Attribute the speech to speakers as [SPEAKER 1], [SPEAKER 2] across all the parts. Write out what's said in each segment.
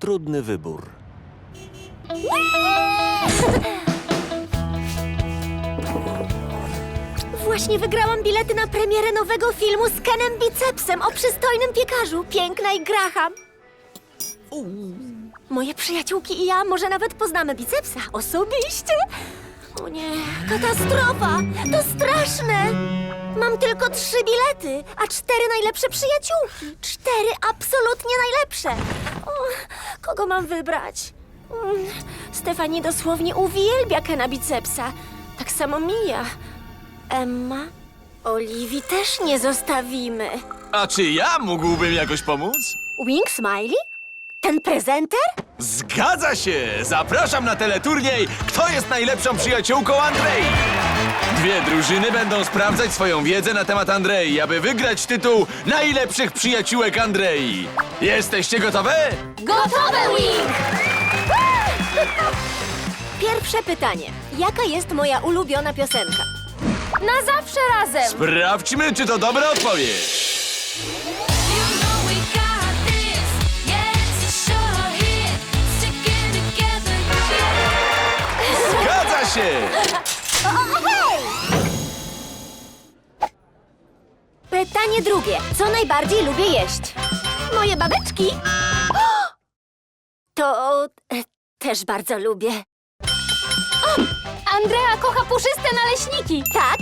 [SPEAKER 1] trudny wybór.
[SPEAKER 2] Właśnie wygrałam bilety na premierę nowego filmu z Kenem Bicepsem o przystojnym piekarzu. Piękna i Graham. Moje przyjaciółki i ja może nawet poznamy Bicepsa osobiście. O nie, katastrofa! To straszne! Mam tylko 3 bilety, a 4 najlepsze przyjaciółki. 4 absolutnie najlepsze. O, kogo mam wybrać? Stefani dosłownie uwielbia Kena Bicepsa. Tak samo Mia. Emma, Oliwii też nie zostawimy.
[SPEAKER 3] A czy ja mógłbym jakoś pomóc?
[SPEAKER 2] Wing Smiley? Ten prezenter?
[SPEAKER 3] Zgadza się! Zapraszam na teleturniej Kto jest najlepszą przyjaciółką Andrei? 2 drużyny będą sprawdzać swoją wiedzę na temat Andrei, aby wygrać tytuł najlepszych przyjaciółek Andrei. Jesteście gotowe?
[SPEAKER 2] Gotowe, Wing! Pierwsze pytanie. Jaka jest moja ulubiona piosenka? Na zawsze razem!
[SPEAKER 3] Sprawdźmy, czy to dobra odpowiedź.
[SPEAKER 4] You know we got this. Yeah, it's a sure hit. Sticking together, yeah.
[SPEAKER 3] Zgadza się!
[SPEAKER 2] Pytanie drugie. Co najbardziej lubię jeść? Moje babeczki. To też bardzo lubię. Andrea kocha puszyste naleśniki. Tak.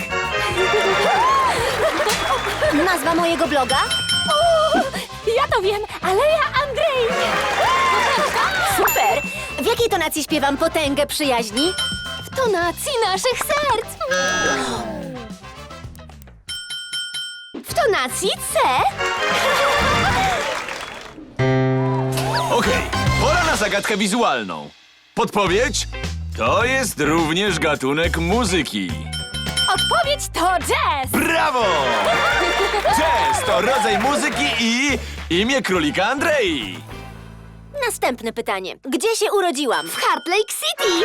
[SPEAKER 2] Nazwa mojego bloga? Ja to wiem. Aleja Andrei. Super. W jakiej tonacji śpiewam potęgę przyjaźni? W tonacji naszych serc. W tonacji C?
[SPEAKER 3] Okej, pora na zagadkę wizualną. Podpowiedź? To jest również gatunek muzyki.
[SPEAKER 2] Odpowiedź to jazz!
[SPEAKER 3] Brawo! Jazz to rodzaj muzyki i imię królika Andrei.
[SPEAKER 2] Następne pytanie. Gdzie się urodziłam? W Heart Lake City!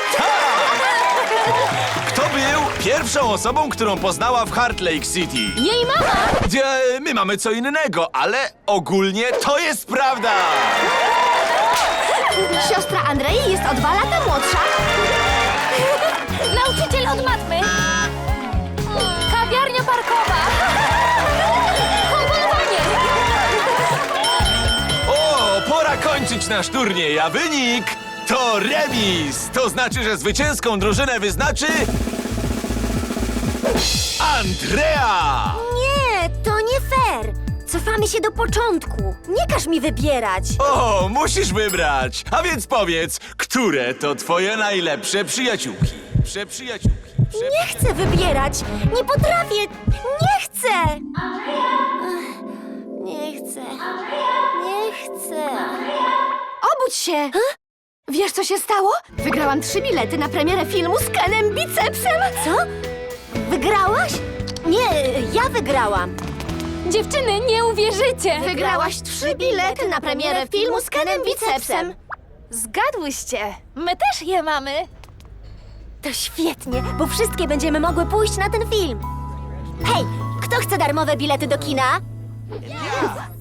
[SPEAKER 3] Kto był pierwszą osobą, którą poznała w Heart Lake City?
[SPEAKER 2] Jej mama!
[SPEAKER 3] My mamy co innego, ale ogólnie to jest prawda.
[SPEAKER 2] Siostra Andrei jest o 2 lata młodsza. Nauczyciel od matmy. Kawiarnia parkowa. Komponowanie.
[SPEAKER 3] O, pora kończyć nasz turniej, a wynik to remis. To znaczy, że zwycięską drużynę wyznaczy Andrea.
[SPEAKER 2] Nie, to nie fair. Cofamy się do początku. Nie każ mi wybierać.
[SPEAKER 3] O, musisz wybrać. A więc powiedz, które to twoje najlepsze przyjaciółki? Przyjaciółki.
[SPEAKER 2] Nie chcę wybierać. Nie potrafię. Nie chcę. Ech, nie chcę. Nie chcę.
[SPEAKER 5] Obudź się! Wiesz, co się stało? Wygrałam 3 bilety na premierę filmu z Kenem Bicepsem!
[SPEAKER 2] Co? Wygrałaś? Nie, ja wygrałam.
[SPEAKER 5] Dziewczyny, nie uwierzycie! Wygrałaś 3 bilety na premierę filmu z Kenem Bicepsem! Zgadłyście! My też je mamy!
[SPEAKER 2] To świetnie, bo wszystkie będziemy mogły pójść na ten film. Hej, kto chce darmowe bilety do kina?